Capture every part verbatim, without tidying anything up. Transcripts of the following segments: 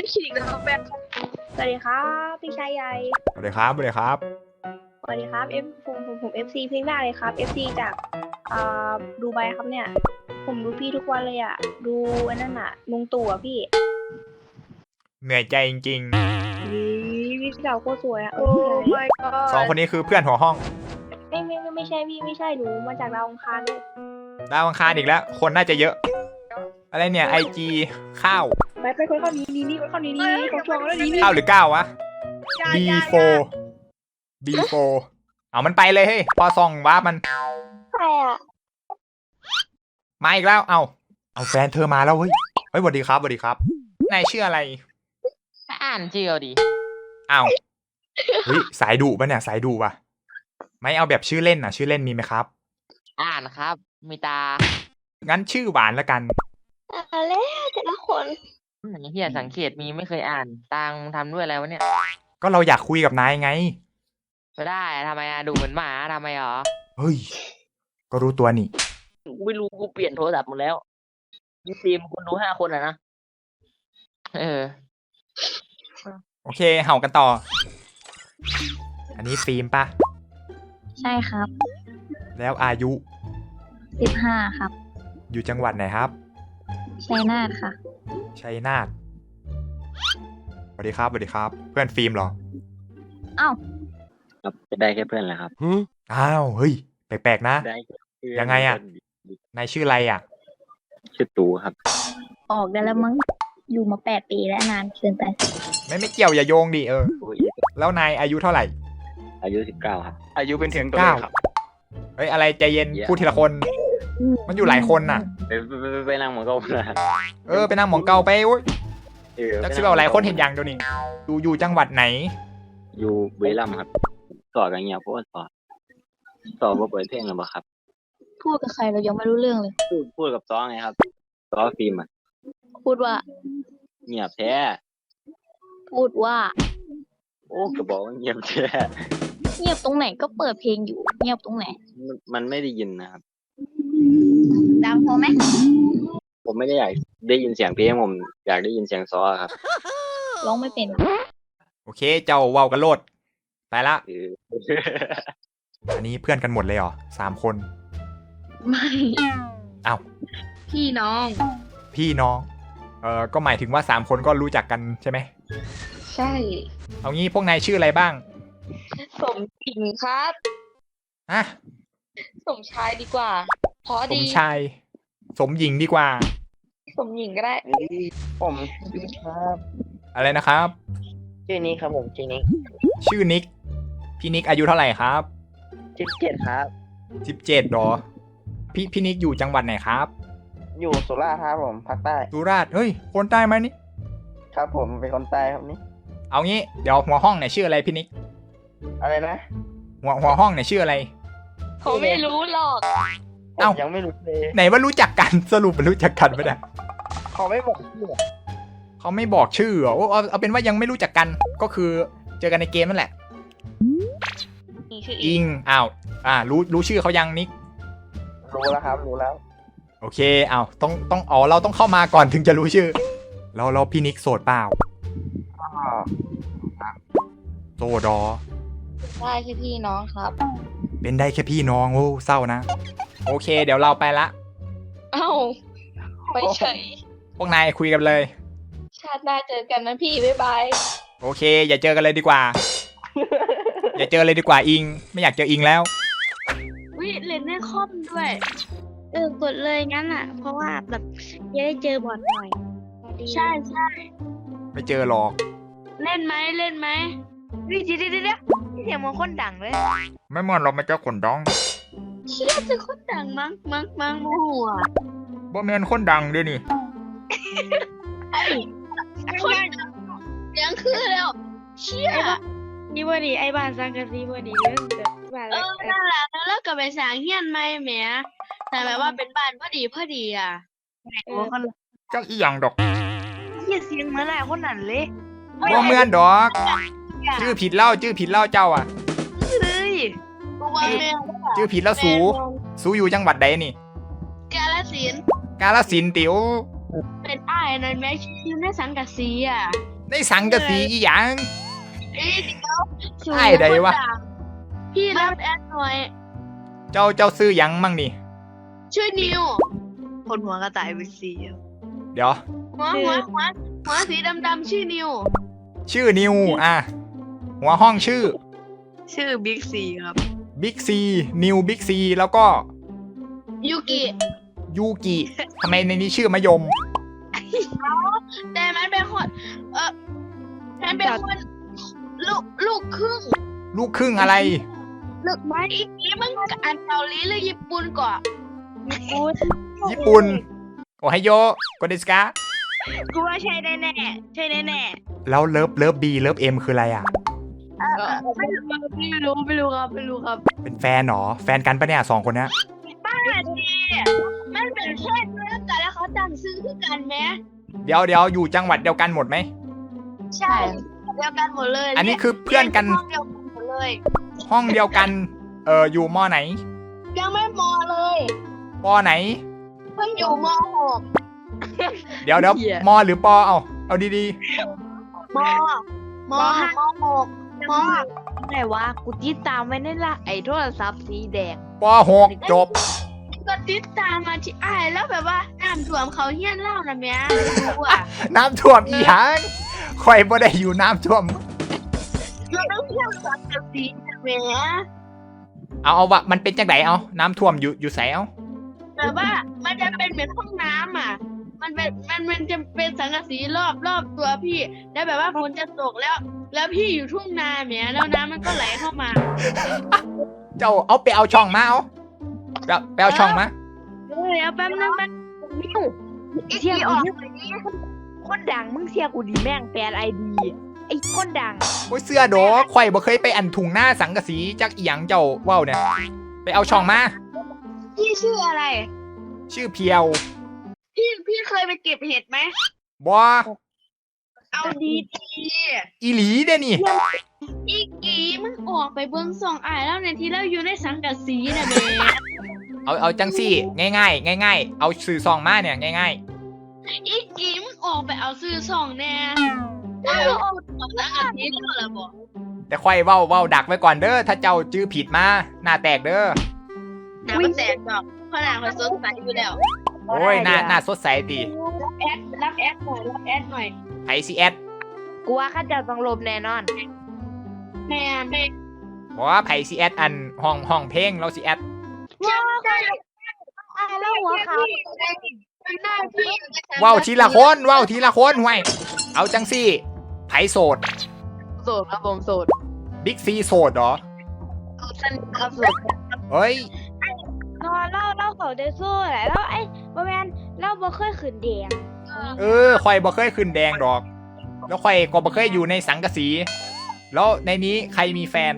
ได้ขิงนะครับแฟนสวัสดีครับพี่ชายใหญ่สวัสดีครับสวัสดีครับสวัสดีครับเอฟผมผมผมเอฟซีเพ่งหน้าเลยครับเอฟซีจากอ่าดูไบครับเนี่ยผมดูพี่ทุกวันเลยอ่ะดูอันนั้นอ่ะลุงตู่อ่ะพี่เหนื่อยใจจริงนี่พี่สาวโคตรสวยอ่ะโอ้ my ๆสองคนนี้คือเพื่อนหัวห้องไม่ไม่ไม่ไม่ใช่พี่ไม่ใช่หนูมาจากดาวอังคารเลยดาวอังคารอีกแล้ว คนน่าจะเยอะ อะไรเนี่ยไอจีข้าวไปไปคนเข้านี้นี่นี่คนเข้านี้นี่นี่ของช่วงแล้วนี่นี่ข้าวหรือก้าววะ บี โฟร์ บี โฟร์ เอามันไปเลยเฮ้ยพอส่องว่ามันใครอ่ะมาอีกแล้ว เอาเอาแฟนเธอมาแล้วเฮ้ยเฮ้ยสวัสดีครับสวัสดีครับนายชื่ออะไรอ่านชื่อเอาดิอ้าวเฮ้ยสายดุปะเนี่ยสายดุปะไม่เอาแบบชื่อเล่นน่ะ ชื่อเล่นมีไหมครับอ่านครับมีตางั้นชื่อหวานละกันอะไรแต่ละคนอย่างที่สังเกตมีไม่เคยอ่านตังทำด้วยอะไรวะเนี่ยก็เราอยากคุยกับนายไงไม่ได้ทำไมอะดูเหมือนหมาทำไมหรอเฮ้ยก็รู้ตัวนี่กูไม่รู้กูเปลี่ยนโทรศัพท์หมดแล้วมีทีมคนดูห้าคนอะนะเออโอเคเห่ากันต่ออันนี้ฟิล์มปะใช่ครับแล้วอายุสิบห้าครับอยู่จังหวัดไหนครับชัยนาทค่ะชัยนาทสวัสดีครับสวัสดีครับเพื่อนฟิล์มเหรออ้าวครับได้แค่เพื่อนแหละครับอ้าวเฮ้ยแปลกๆนะยังไงอ่ะนายชื่ออะไรอ่ะชื่อตูครับออกได้แล้วมั้งอยู่มาแปดปีแล้วนานเกินไปไม่ไม่เกี่ยวอย่าโยงดิเออแล้วนายอายุเท่าไหร่อายุสิบเก้าครับอายุเป็นถึงตัวเลขครับเฮ้ยอะไรใจเย็นพูดทีละคนมันอยู่หลายคนน่ะไปไปไปนั่งหมองเก่าเออไปนั่งหมองเก่าไปโอ้ยจักชื่อเอาหลายคนเห็นอย่างเดียวนี่อยู่อยู่จังหวัดไหนอยู่บุรีรัมย์ครับสอดกันเงี้ยพวกสอดสอดว่าเปิดเพลงหรือเปล่าครับพูดกับใครเรายังไม่รู้เรื่องเลยพูดพูดกับซ้อไงครับซ้อฟิล์มอ่ะพูดว่าเงียบแท้พูดว่าโอ้ก็บอกว่าเงียบแท้เงียบตรงไหนก็เปิดเพลงอยู่เงียบตรงไหนมันไม่ได้ยินนะครับดังพอไหมผมไม่ได้อยากได้ยินเสียงเพลงผมอยากได้ยินเสียงซ้อครับร้องไม่เป็นโอเคเจ้าเว้ากันโลดไปละอันนี้เพื่อนกันหมดเลยเหรอสามคนไม่อ้าวพี่น้องพี่น้องเออก็หมายถึงว่าสามคนก็รู้จักกันใช่ไหมใช่เอางี้พวกนายชื่ออะไรบ้างสมหญิงครับฮะสมชายดีกว่าเพราะดีสมชายสมหญิงดีกว่าสมหญิงก็ได้ผมครับอะไรนะครับชื่อนิกครับผมชื่อนิกชื่อนิกพี่นิกอายุเท่าไหร่ครับสิบเจ็ดครับสิบเจ็ดหรอพี่พี่นิกอยู่จังหวัดไหนครับอยู่สุราษฎร์ครับผมภาคใต้สุราษฎร์เฮ้ยคนใต้ไหมนี่ครับผมเป็นคนใต้ครับนี่เอางี้เดี๋ยวหัวห้องเนี่ยชื่ออะไรพี่นิกอะไรนะหัวหัวห้องเนี่ยชื่ออะไรเขาไม่รู้หรอกเอ้ายังไม่รู้เลยไหนว่ารู้จักกันสรุปมันรู้จักกันไม่ได้เขาไม่บอกชื่อเขาไม่บอกชื่อเอาเอาเอาเป็นว่ายังไม่รู้จักกันก็คือเจอกันในเกมนั่นแหละอิงอ้าวอ่ารู้รู้ชื่อเขายังนิกรู้แล้วครับรู้แล้วโอเคอ้าวต้องต้องอ๋อเราต้องเข้ามาก่อนถึงจะรู้ชื่อเราเราพี่นิกโสดเปล่าโสดอได้แค่พี่น้องครับเป็นได้แค่พี่น้องโอ้เศร้านะโอเคเดี๋ยวเราไปละเอ้าไปเฉยพวกนายคุยกันเลยชาติหน้าเจอกันนะพี่บ๊ายบายโอเคอย่าเจอกันเลยดีกว่าอย่าเจอเลยดีกว่าอิงไม่อยากเจออิงแล้ววิเล่นในคอมด้วยเออกดเลยงั้นอ่ะเพราะว่าแบบจะได้เจอบอทหน่อยใช่ใช่ไม่เจอหรอกเล่นไหมเล่นไหมวิเดี๋ยวเดี๋ยวเดี๋ยวเสียงมันคนดังเลยไม่เหมือนเราไม่เจอคนดังเชี่ยจะคนดังมั้งมั้งมั้งโมโหอ่ะบ่แม่นคนดังด้วยนี่ไอ้คนยังคือแล้วเชี่ยนี่บ่ดีไอ้บ้านสังกะสีบ่ดีเรื่องแต่บ้านเออนั่นแหละแล้วก็ไปสร้างเฮียนใหม่แหมแต่แบบว่าเป็นบ้านพอดีพอดีอ่ะเออจักอีหยังดอกเฮียเสียงเหมือนหลายคนนั่นเลยบ่เหมือนดอกชื่อผิดเล่าชื่อผิดเล่าเจ้าอ่ะเฮ้ยชื่อผิดแล้วสูสูอยู่จังหวัดใดนี่กาฬสินธุ์กาฬสินธุ์ติ๋วเป็นอ้ายนั่นแม่ชื่อในสังกะสีอ่ะในสังกะสีอีหยังเอ้ยเดี๋ยวสูไอ้ใดวะคนดังพี่รับแอดหน่อยเจ้าเจ้าซื้อหยังมั่งนี่ชื่อนิวคนหัวกระต่ายวิซีอะเดี๋ยวหัวหัวหัวหัวสีดำๆชื่อนิวชื่อนิวอ่ะหัวห้องชื่อชื่อบิ๊กซีครับบิ๊กซีนิวบิ๊กซีแล้วก็ยูกิยูกิทำไมในนี้ชื่อมะยมแต่มันเป็นคนเออมันเป็นคนลูกลูกครึ่งลูกครึ่งอะไรลูกไม้อีกนี้มึงอันเกาหลีหรือญี่ปุ่นก่อนพูดญี่ปุ่นโอไฮโยโกเดสกากูว่าใช่แน่แน่ใช่แน่แน่แล้วเลิฟเลิฟบีเลิฟเอ็มคืออะไรอ่ะไม่รู้ไม่รู้ไม่รู้ครับไม่รู้ครับเป็นแฟนเหรอ แฟนกันปะเนี่ยสองคนเนี้ยบ้าจีมันเป็นเพื่อนเรื่องกันแล้วเขาตั้งซื้อคือกันไหมเดี๋ยวเดี๋ยวอยู่จังหวัดเดียวกันหมดไหมใช่เดียวกันหมดเลยอันนี้คือเพื่อนกันห้องเดียวกันหมดเลยห้องเดียวกัน เอออยู่มอไหนยังไม่มอเลยปอไหนเพิ่งอยู่มหกเดี๋ยวเดี๋ยวมอหรือปอเอาเอาดีมมมหกมไหนวะกูติดตามไว้ในละไอ้โทรศัพท์สีแดงๆปอหกจบก็ติดตามมาที่อ้ายแล้วแบบว่าน้ำท่วมเขาเฮี้ยนเล่านะแม่รู้อ่ะน้ำท่วมอีหยังคอยบ่ได้อยู่น้ำท่วมเราต้องเที่ยวสังกะสีนะแม่เอาเอาวะมันเป็นจังไดเอาน้ำท่วมอยู่อยู่ไสเอาแต่ว่ามันจะเป็นเหมือนห้องน้ำอ่ะ มันเป็นมันมันจะเป็นสังกะสีรอบรอบตัวพี่ แล้วแบบว่าฝนจะตกแล้ว แล้วพี่อยู่ทุ่งนาแหมแล้วน้ำมันก็ไหลเข้ามาเจ้าเอาไปเอาช่องมาเอาไปเอาไปเอาช่องมาเดี๋ยวแป๊บนึงแป๊บมิวเสียกูนี่คนดังมึงเสียกูดีแม่งแปลไอดีไอ้คนดังโอ้ยเสื้อโดข่อยบ่เคยไปอันถุงหน้าสังกะสีจักอีหยังเจ้าเว้าเนี่ยไปเอาช่องมาพี่ชื่ออะไรชื่อเพียวพี่พี่เคยไปเก็บเห็ดไหมบ่เอาดีดีอีหลีเด้นี่อีกีมึงออกไปเบิ้งสองอ่ายแล้วในที่เราอยู่ในสังกะสีนะเบเอาเอาจังซี่ง่ายๆง่ายๆเอาสื่อซองมาเนี่ยง่ายอีกีมึงออกไปเอาซื้อสองแน่เอาออกสังกะสีแล้วเหรอบอกๆแต่ข่อยเว้าเว้าดักไว้ก่อนเด้อถ้าเจ้าจื้อผิดมาหน้าแตกเด้อน้ำมันแตกดอกเพราะนางเขาสดใสอยู่แล้วโอ้ยหน้าหน้าสดใสติรับแอดรับแอดหน่อยรับแอดหน่อยไผสิแอดกูว่าข้าจะต้องลบแน่นอนแม่แม่บ่ว่าไผสิแอดอันห้องห้องเพลงเราสิแอดว้าวใช่อ่าแล้วหัวขาวเป็นหน้าพี่เว้าทีละคนเว้าทีละคนห่วยเอาจังซี่ไผโสดโสดครับผมโสดบิ๊กซีโสดเหรอสนิทครับโสดเฮ้ยนอนเล่าเล่าเขาได้สู้แหละแล้วไอ้บ่แม่นเล่าบ่เคยขืนแดงเออข่อยบ่เคยขึ้นแดงดอก แล้วข่อยก็บ่เคยอยู่ในสังกะสี แล้วในนี้ใครมีแฟน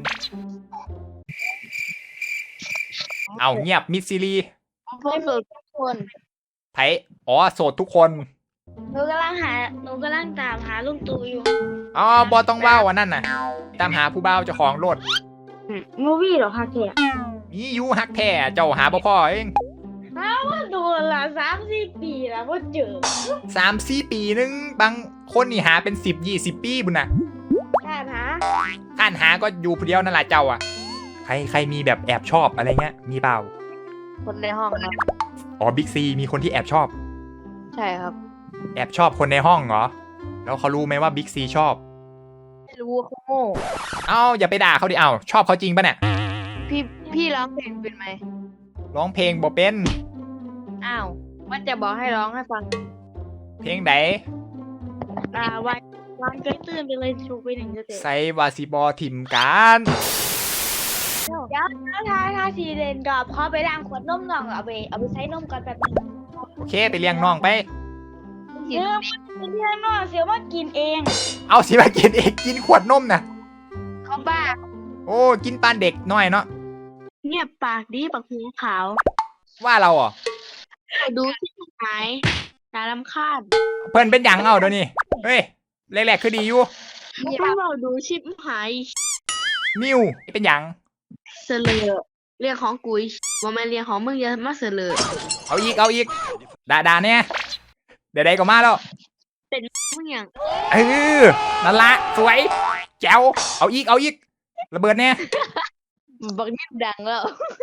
เอาเงียบมิดซิลีพวกโสดทุกคนไผอ๋อโสดทุกคนหนูกำลังหาหนูกำลังตามหาลุงตู่อยู่อ๋อบอต้องเว้าอันนั่นน่ะ ตามหาผู้บ่าวเจ้าของรถมูวี่เหรอคะแกมีอยู่ฮักแท้เจ้าหาบ่พอเองดูละสามสี่ปีแล้วบ่เจอสามสี่ปีนึง บางคนนี่หาเป็นสิบยี่สิบปีบุญน่ะท่านหาท่านหาก็อยู่ผู้เดียวนั่นแหละเจ้าอ่ะ ใครใครมีแบบแอบชอบอะไรเงี้ย มีเปล่าคนในห้องครับอ๋อบิ๊กซีมีคนที่แอบชอบใช่ครับแอบชอบคนในห้องเหรอ แล้วเขารู้ไหมว่าบิ๊กซีชอบไม่รู้ว่าเขาโง่เอ้าอย่าไปด่าเขาดิเอ้าชอบเขาจริงปะเนี่ยพี่พี่ร้องเพลงเป็นไหมร้องเพลงบ่เป็นอ้าวว่าจะบอกให้ร้องให้ฟังเพลงไหนอ่าวันวันก็ตื่นไปเลยชูไปหนึ่งจะเสร็จใส่วาซิบอถิ่มกันเดี๋ยวถ้าถ้าทีเรนก็พอไปล้างขวดนมก่อนเอาไปเอาไปใช้นมก่อนแบบนึงโอเคไปเลี้ยงน้องไปเดี๋ยวมันเพื่อนน้องเสียว่ากินเองเอาสิมากินเองกินขวดนมนะเขาบ้าโอ้กินปานเด็กน้อยเนาะเงียบปากดีปากหูขาวว่าเราอ่ะดูที่หายน่ารำคาญเพิ่นเป็นหยังเอาเดี๋ยวนี้เฮ้ยแรกๆคือดีอยู่พวกเราดูชิปหายนิวเป็นหยังเสลอเรียกของกุยว่ามันเรียกของมึงอย่ามาเสลอเอาอีกเอาอีกด่าด่าเนี่ยเดี๋ยวใดก็มาแล้วมึงอย่างเออนั่นละสวยแจ๋วเอาอีกเอาอีกระเบิดเนี่ยบักนิดดังแล้ว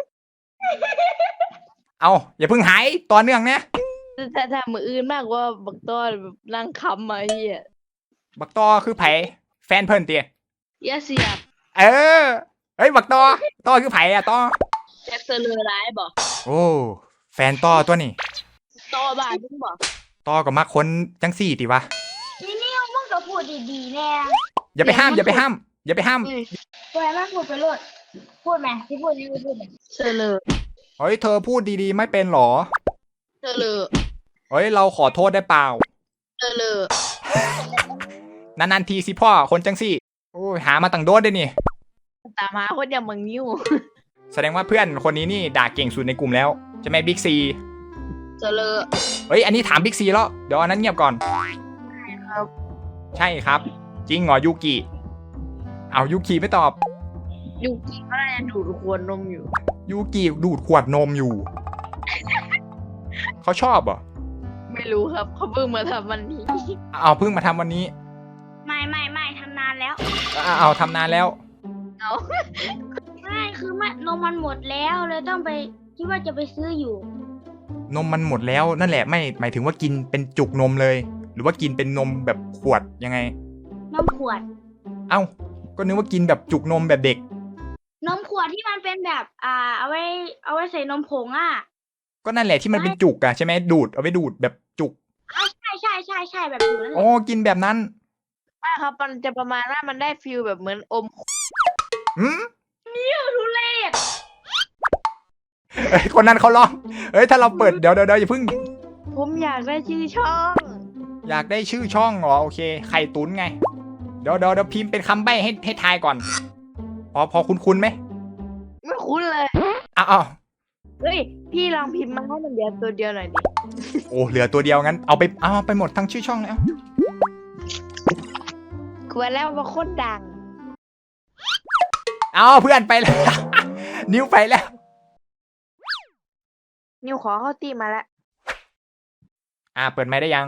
เอาอย่าเพิ่งหายต่อเนื่องเนี่ยถ้าถ้ามืออื่นมากกว่าบักต้อนแบบนั่งคำมาเฮียบักตอคือไผแฟนเพิ่นเตียอย่าเสียบเออเฮ้ยบักตอตอคือไผอะตอแจ็คเซอร์เลอร์ร้ายบอกโอ้แฟนตอตัวนี้ต่อบ้านมึงบอกตอกับมักคนจังสี่ติวะนี่นี่มึงก็พูดดีๆแน่อย่าไปห้ามอย่าไปห้ามอย่าไปห้ามปล่อยมันพูดไปเลยพูดไหมที่พูดนี่พูดไหมเซอร์เลอร์เฮ้ยเธอพูดดีๆไม่เป็นหรอเซอร์เลอร์เฮ้ยเราขอโทษได้เปล่าเซอร์เลอร์นานๆทีสิพ่อคนจังสี่โอ้ยหามาตั้งโดดได้นี่ตามหาคนอย่างมึงนิ้วแสดงว่าเพื่อนคนนี้นี่ด่าเก่งสุดในกลุ่มแล้วใช่ไหมบิ๊กซีเซอร์เลอร์เฮ้ยอันนี้ถามบิ๊กซีแล้วเดี๋ยวอันนั้นเงียบก่อนครับใช่ครับ จริงเหรอยูกิเอายูกิไม่ตอบยุกิก็น่าจะดูดขวดนมอยู่ยูกิดูดขวดนมอยู่ เขาชอบเหรอไม่รู้ครับเขาเพิ่งมาทำวันนี้เอาเพิ่งมาทำวันนี้ไม่ไม่ไม่ทำนานแล้วเอาเอาทำนานแล้วไม่คือมันนมมันหมดแล้วเลยต้องไปคิดว่าจะไปซื้ออยู่นมมันหมดแล้วนั่นแหละไม่หมายถึงว่ากินเป็นจุกนมเลย หรือว่ากินเป็นนมแบบขวดยังไงนมขวดเอ้าก็นึกว่ากินแบบจุกนมแบบเด็กนมขวดที่มันเป็นแบบ อ่า เอาไว้ เอาไว้ใส่นมผงอ่ะก็นั่นแหละที่มันเป็นจุกอะใช่ไหมดูดเอาไปดูดแบบจุกอ่าใช่ใช่ใช่ใช่แบบอยู่นั่นแหโอ้ละกินแบบนั้นว่าครับมันจะประมาณว่ามันได้ฟิลแบบเหมือนอมอืมทุเรศเอ้ยคนนั้นเขาร้องเอ้ยถ้าเราเปิดเดี๋ยวเดี๋ยวเดี๋ยวอย่าเพิ่งผมอยากได้ชื่อช่องอยากได้ชื่อช่องเหรอโอเคไข่ตุ๋นไง เดี๋ยวเดี๋ยวเดี๋ยวพิมพ์เป็นคำใบ้ให้ให้ทายก่อน พอพอคุ้นคุ้นๆไหมไม่คุ้นเลยอ้าวอ้าวเฮ้ยพี่ลองพิมพ์มาให้มันเดียวตัวเดียวหน่อยดิโอ้เหลือตัวเดียวงั้นเอาไปเอาไปหมดทั้งชื่อช่องแล้วกลัวแล้วว่าโคตรดังเอาเพื่อนไปแล้ว นิ้วไปแล้วนิวขอเข้าตีมาแล้วอ่าเปิดไมค์ได้ยัง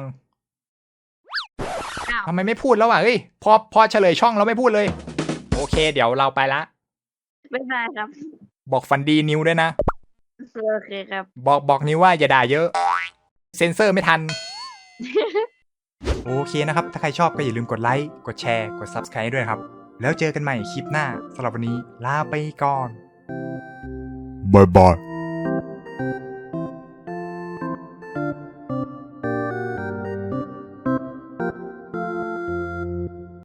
อ้าวทำไมไม่พูดแล้วอ่ะเฮ้ยพอพอเฉลยช่องเราไม่พูดเลย โอเค เดี๋ยวเราไปละไม่ได้ครับบอกฟันดีนิ้วด้วยนะโอเคครับบอกบอกนิ้วว่าอย่าด่าเยอะ เซ็นเซอร์ไม่ทัน โอเคนะครับ ถ้าใครชอบก็อย่าลืมกดไลค์ กดแชร์ กด ซับสไครบ์ ด้วยครับ แล้วเจอกันใหม่คลิปหน้าสำหรับวันนี้ลาไปก่อน Bye bye.